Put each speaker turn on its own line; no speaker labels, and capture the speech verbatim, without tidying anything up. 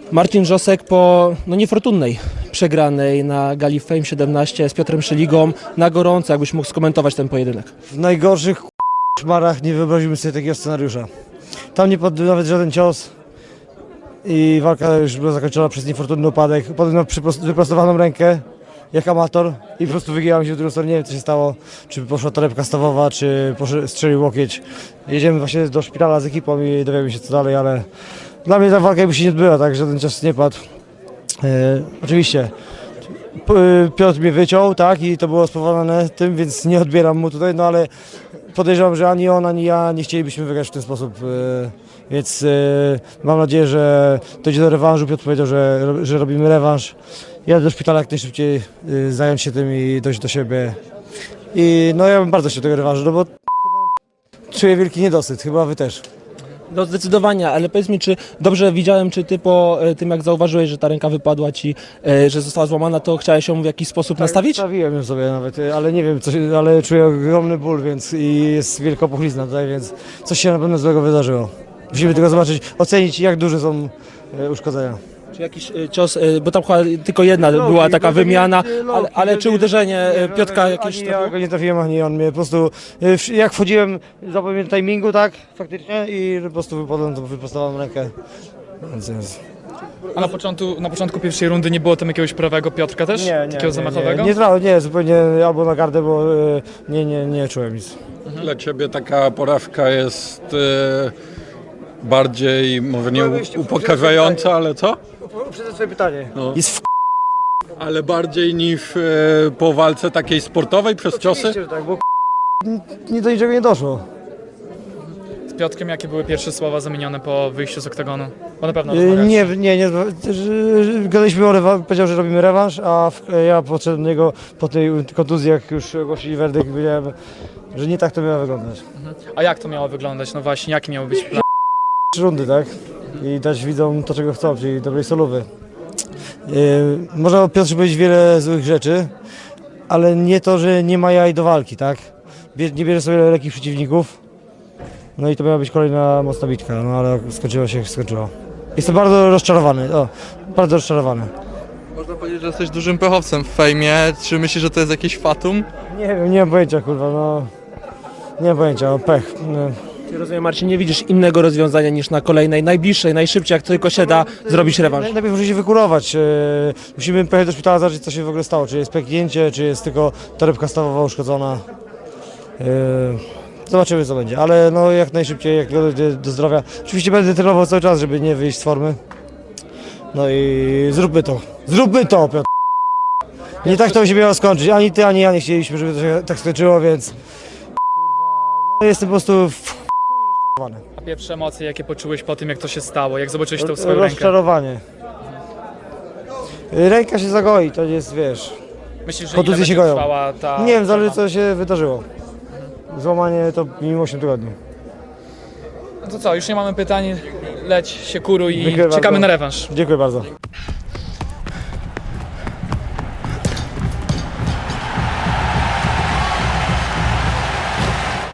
Marcin Wrzosek po no, niefortunnej przegranej na gali Fame siedemnaście z Piotrem Szyligą na gorąco, jakbyś mógł skomentować ten pojedynek.
W najgorszych szmarach nie wyobrazimy sobie takiego scenariusza. Tam nie padł nawet żaden cios i walka już była zakończona przez niefortunny upadek. Potem na wyprostowaną rękę, jak amator, i po prostu wygięłam się w drugą stronę. Nie wiem, co się stało, czy poszła torebka stawowa, czy poszedł, strzelił łokieć. Jedziemy właśnie do szpitala z ekipą i dowiemy się, co dalej, ale dla mnie ta walka jakby się nie odbyła, tak, żaden cios nie padł. E, oczywiście Piotr mnie wyciął, tak, i to było spowodowane tym, więc nie odbieram mu tutaj, no ale podejrzewam, że ani on, ani ja nie chcielibyśmy wygrać w ten sposób, e, więc e, mam nadzieję, że dojdzie do rewanżu. Piotr powiedział, że, że robimy rewanż. Jadę do szpitala jak najszybciej, e, zająć się tym i dojść do siebie. I no ja bym bardzo chciał tego rewanżu, no bo czuję wielki niedosyt, chyba wy też.
No zdecydowanie, ale powiedz mi, czy dobrze widziałem, czy ty po e, tym jak zauważyłeś, że ta ręka wypadła ci, e, że została złamana, to chciałeś ją w jakiś sposób nastawić?
Nastawiłem ją sobie nawet, ale nie wiem, co się, ale czuję ogromny ból, więc i jest wielka puchlizna tutaj, więc coś się na pewno złego wydarzyło. Musimy tylko zobaczyć, ocenić, jak duże są e, uszkodzenia.
Czy jakiś e, cios, e, bo tam chyba tylko jedna
Loki,
była taka
bo to nie-
wymiana,
nie, Loki,
ale, ale
to
czy
nie-
uderzenie e,
nie, no,
Piotka jakieś
Ani ja
trafiło?
go nie trafiłem, ani on mnie po prostu, e, w- jak wchodziłem, zapomniałem timingu, tak, faktycznie, i po prostu wypadłem tą wyprostowaną rękę. Więc jest.
A na początku, na początku pierwszej rundy nie było tam jakiegoś prawego Piotrka też? Takiego zamachowego?
Nie, nie, nie, zupełnie albo na gardę, bo e, nie, nie, nie czułem nic.
Dla Ciebie taka porażka jest e, bardziej, może nie u- upokarzająca, ale co?
Uprzedzę swoje pytanie.
No.
Jest w
Ale bardziej niż e, po walce takiej sportowej przez ciosy?
Oczywiście, że tak, bo n- nie do niczego nie doszło.
Z Piotrkiem jakie były pierwsze słowa zamienione po wyjściu z oktagonu? Bo na pewno
E,
rozmawiałeś.
Nie, nie, nie. że- że- Gadaliśmy o rewanż, powiedział, że robimy rewanż, a w, ja podszedłem do niego po tej kontuzji, jak już ogłosili werdykt, wiedziałem, że nie tak to miało wyglądać.
A jak to miało wyglądać? No właśnie, jaki miał być plan?
Trzy rundy, tak? I dać widzom to, czego chcą, czyli dobrej solówy. E, Można o Piotrze powiedzieć wiele złych rzeczy, ale nie to, że nie ma jaj do walki, tak? Bie- Nie bierze sobie lekkich przeciwników. No i to miała być kolejna mocna bitka, no ale skończyło się jak skończyło. Jestem bardzo rozczarowany, o, bardzo rozczarowany.
Można powiedzieć, że jesteś dużym pechowcem w fejmie. Czy myślisz, że to jest jakieś fatum?
Nie wiem, nie mam pojęcia, kurwa, no. Nie mam pojęcia, no, pech. No.
Czy rozumiem, Marcin, nie widzisz innego rozwiązania niż na kolejnej, najbliższej, najszybciej, jak tylko się da, zrobić rewanż?
Naj- Najpierw musi się wykurować. e, Musimy pojechać do szpitala, zobaczyć, co się w ogóle stało. Czy jest pęknięcie, czy jest tylko torebka stawowa uszkodzona. E, Zobaczymy, co będzie, ale no jak najszybciej, jak dojdzie do zdrowia. Oczywiście będę trenował cały czas, żeby nie wyjść z formy. No i zróbmy to. Zróbmy to, Piotr. Nie tak to się miało skończyć. Ani ty, ani ja nie chcieliśmy, żeby to się tak skończyło, więc... No jestem po prostu w chuj rozczarowany.
A pierwsze emocje, jakie poczułeś po tym, jak to się stało? Jak zobaczyłeś tą swoją rękę?
Rozczarowanie. Ręka się zagoi, to jest, wiesz...
Myślisz, że
Kontuzje
ile
się
będzie
goją.
trwała ta...
Nie wiem, zależy co się wydarzyło. Złamanie to minimum osiem tygodni.
No to co, już nie mamy pytań, leć się kuruj i
Dziękuję
czekamy
bardzo.
na rewanż.
Dziękuję bardzo.